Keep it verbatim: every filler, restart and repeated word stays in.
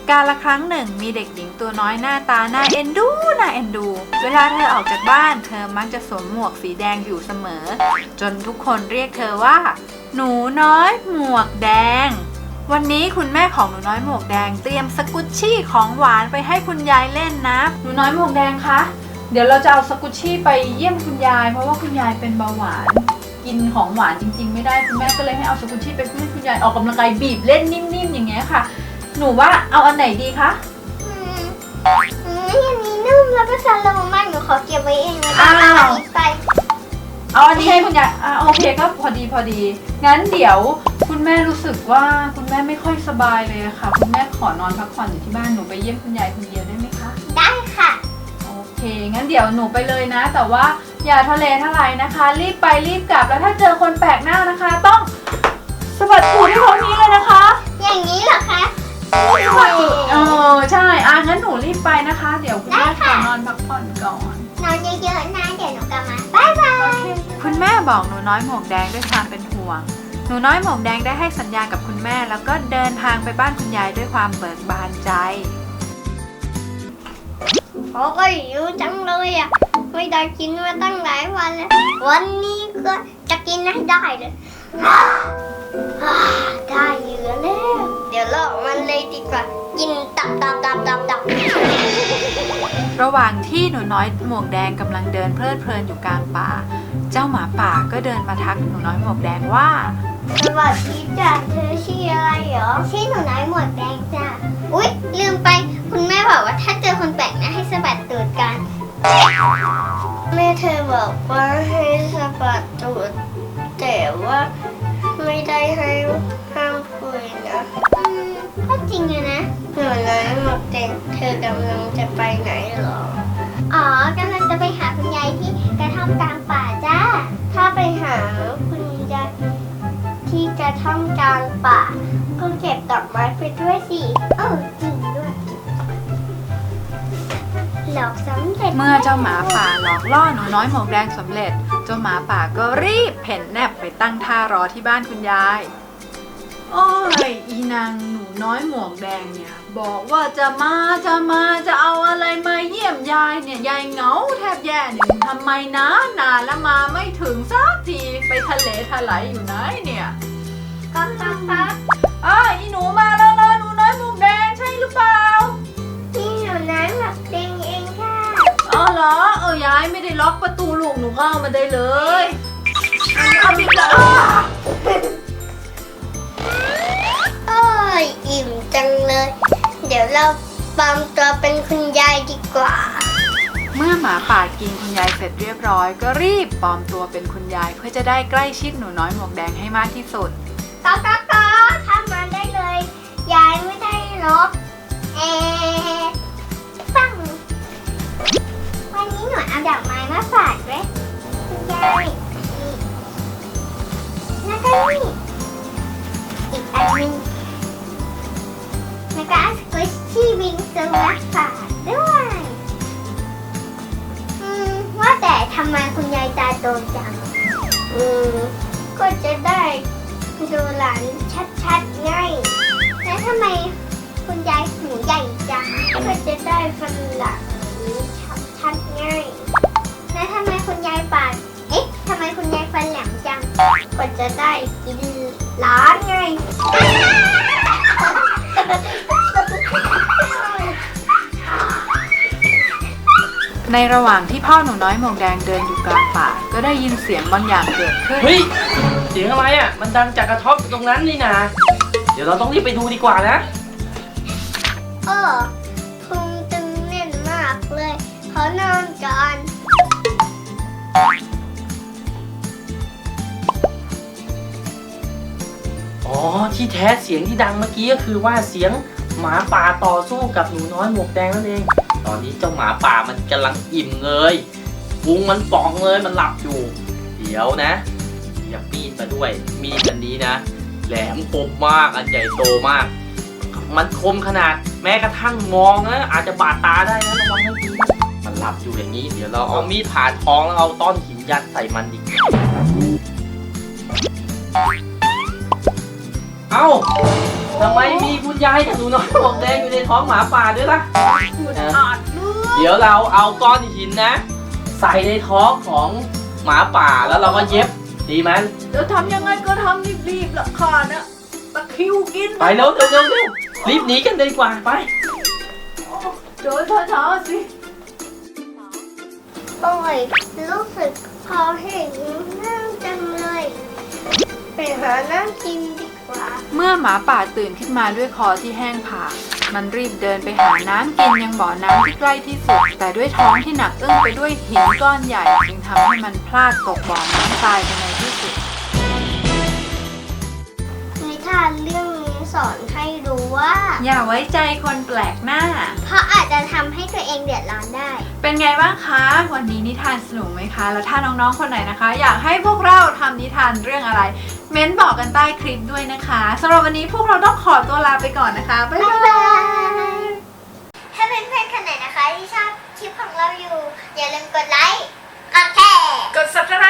กาลครั้งหนึ่งมีเด็กหญิงตัวน้อยหน้าตาน่าเอ็นดูน่าเอ็นดูเวลาเธอออกจากบ้านเธอมักจะสวมหมวกสีแดงอยู่เสมอจนทุกคนเรียกเธอว่าหนูน้อยหมวกแดงวันนี้คุณแม่ของหนูน้อยหมวกแดงเตรียมสกุชชี่ของหวานไปให้คุณยายเล่นนะหนูน้อยหมวกแดงคะเดี๋ยวเราจะเอาสกุชชี่ไปเยี่ยมคุณยายเพราะว่าคุณยายเป็นเบาหวานกินของหวานจริงๆไม่ได้คุณแม่ก็เลยให้เอาสกุชชี่ไปให้คุณยายออกกำลังกายบีบเล่นนิ่มๆอย่างเงี้ยค่ะหนูว่าเอาอันไหนดีคะอืมอืมอันนี้นุ่มแล้วก็สโลว์มากหนูขอเก็บไว้เองนะเอาอันนี้ไปเอาอันนี้ให้คุณยายอ่าโอเคก็พอดีพอดีงั้นเดี๋ยวคุณแม่รู้สึกว่าคุณแม่ไม่ค่อยสบายเลยค่ะคุณแม่ขอนอนพักผ่อนอยู่ที่บ้านหนูไปเยี่ยมคุณยายคนเดียวได้ไหมคะได้ค่ะโอเคงั้นเดี๋ยวหนูไปเลยนะแต่ว่าอย่าทะเลทลายนะคะรีบไปรีบกลับแล้วถ้าเจอคนแปลกหน้านะคะต้องสะบัดตูดให้เขานี้เลยนะคะอย่างนี้เหรอคะสะบัดตูดเออใช่อ่ะงั้นหนูรีบไปนะคะเดี๋ยวคุณแม่ขอนอนพักผ่อนก่อนนอนเยอะๆนะเดี๋ยวหนูกลับมาบ๊ายบายคุณแม่บอกหนูน้อยหมวกแดงด้วยความเป็นห่วงหนูน้อยหมวกแดงได้ให้สัญญากับคุณแม่แล้วก็เดินทางไปบ้านคุณยายด้วยความเบิกบานใจโอ้ยหิวจังเลยอ่ะไม่ได้กินมาตั้งหลายวันแล้ววันนี้ก็จะกินให้ได้เลยได้เยอะแล้วเดี๋ยวลอกมันเลยดีกว่ากินตับตับตับตับตับระหว่างที่หนูน้อยหมวกแดงกำลังเดินเพลิดเพลินอยู่กลางป่าเจ้าหมาป่าก็เดินมาทักหนูน้อยหมวกแดงว่าสวัสดีจ้ะเธอชื่ออะไรเหรอชื่อหนูน้อยหมวกแดงจ้ะอุ๊ยลืมไปคุณแม่บอกว่าถ้าเจอคนแปลกหน้าให้สะบัดตูดกันแม่เธอบอกว่าให้สะบัดตูดแต่ว่าไม่ได้ให้ห้ามคุยนะอืมก็จริงอะนะหนูน้อยหมวกแดงเธอกำลังจะไปไหนเหรออ๋อกำลังจะไปหาคุณยายที่กระท่อมกลางป่าจ้าถ้าไปหาคุณยายที่กระท่อมกลางป่าก็เก็บดอกไม้ไปด้วยสิเออจริงด้วยหลอกสำเร็จเมื่อเจ้าหมาป่าหลอกล่อหนูน้อยหมวกแดงสำเร็จเจ้าหมาป่าก็รีบเพ่นแนบไปตั้งท่ารอที่บ้านคุณยายโอ้ยอีนางหนูน้อยหมวกแดงเนี่ยบอกว่าจะมาจะมาจะเอาอะไรมาเยี่ยมยายเนี่ยยายเหงาแทบแย่หนึ่งทำไมนะนานแล้วมาไม่ถึงสักทีไปทะเลทลายอยู่ไหนเนี่ยก็ตักตักอ้าอีหนูมาแล้วนะหนูน้อยหมวกแดงใช่หรือเปล่านี่หนูน้อยหมวกแดงเองค่ะอ๋อเหรอเออยายไม่ได้ล็อกประตูลูกหนูเข้ามาได้เลยเอาปิดแล้วโอ้ยอิ่มจังเลยเดี๋ยวเราปลอมตัวเป็นคุณยายดีกว่าเมื่อหมาป่ากินคุณยายเสร็จเรียบร้อยก็รีบปลอมตัวเป็นคุณยายเพื่อจะได้ใกล้ชิดหนูน้อยหมวกแดงให้มากที่สุดก็ก็ก็ทำมาได้เลยยายไม่ได้ล็อกเอ๊ะปังวันนี้หนูเอาดอกไม้มาฝากด้วยคุณยายแล้วก็นี่อีกอันนึงแล้วก็สควิชชี่วิงซูมาฝากด้วยอืมว่าแต่ทำไมคุณยายตาโตจังอืมก็จะได้ดูหลานชัดๆไงแล้วทำไมคุณยายหูใหญ่จังก็จะได้ฟันหลังชัดๆไงแล้วทำไมคุณยายปากเอ๊ะทำไมคุณยายฟันแหลมจังก็จะได้กินหลานไงในระหว่างที่พ่อหนูน้อยหมวกแดงเดินอยู่กลางป่าก็ได้ยินเสียงบางอย่างเกิดขึ้นเฮ้ยเสียงอะไรอ่ะมันดังจากกระท่อมตรงนั้นนี่นะเดี๋ยวเราต้องรีบไปดูดีกว่านะเออพุงตึงแน่นมากเลยขอนอนก่อนอ๋อที่แท้เสียงที่ดังเมื่อกี้ก็คือว่าเสียงหมาป่าต่อสู้กับหนูน้อยหมวกแดงนั่นเองตอนนี้เจ้าหมาป่ามันกำลังอิ่มเลยพุงมันป่องเลยมันหลับอยู่เดี๋ยวนะหยิบมีดมาด้วยมีดอันนี้นะแหลมคมมากอันใหญ่โตมากมันคมขนาดแม้กระทั่งมองนะอาจจะบาดตาได้นะระวังให้ดีมันหลับอยู่อย่างนี้เดี๋ยวเราเอามีดผ่าท้องแล้วเอาต้อนหินยัดใส่มันดีเอ้าทำไมมีคุณยายกับหนูน้อยหมวกแดงอยู่ในท้องหมาป่าด้วยล่ะคุณอาจลูกเดี๋ยวเราเอาก้อนหินนะ ใส่ในท้องของหมาป่าแล้วเราก็เย็บดีไหมเดี๋ยวทำยังไงก็ทำรีบๆละค่ะนะตะคริวกินไปเร็วเร็วเร็วเร็วรีบหนีกันดีกว่าไปเดินช้าๆสิโอ้ยรู้สึกพอเห็นนั่งจังเลยไปหานั่งกินดีกว่าเมื่อหมาป่าตื่นขึ้นมาด้วยคอที่แห้งผากมันรีบเดินไปหาน้ำกินยังบ่อน้ำที่ใกล้ที่สุด แต่ด้วยท้องที่หนักอึ้งไปด้วยหินก้อนใหญ่จึงทำให้มันพลาดตกบ่อน้ำตายไปในที่สุดนิทานเรื่องนี้สอนให้รู้ว่าอย่าไว้ใจคนแปลกหน้าเพราะอาจจะทำให้ตัวเองเดือดร้อนได้เป็นไงบ้างคะ วันนี้นิทานสนุกไหมคะ แล้วถ้าน้องๆคนไหนนะคะ อยากให้พวกเราทำนิทานเรื่องอะไร เม้นบอกกันใต้คลิปด้วยนะคะสำหรับวันนี้พวกเราต้องขอตัวลาไปก่อนนะคะบ๊ายบ๊ายบาบาย ย ถ้าเป็นเพื่อนๆคนไหนนะคะที่ชอบคลิปของเราอยู่ อย่าลืมกดไลค์ กดแชร์กด ซับสไคร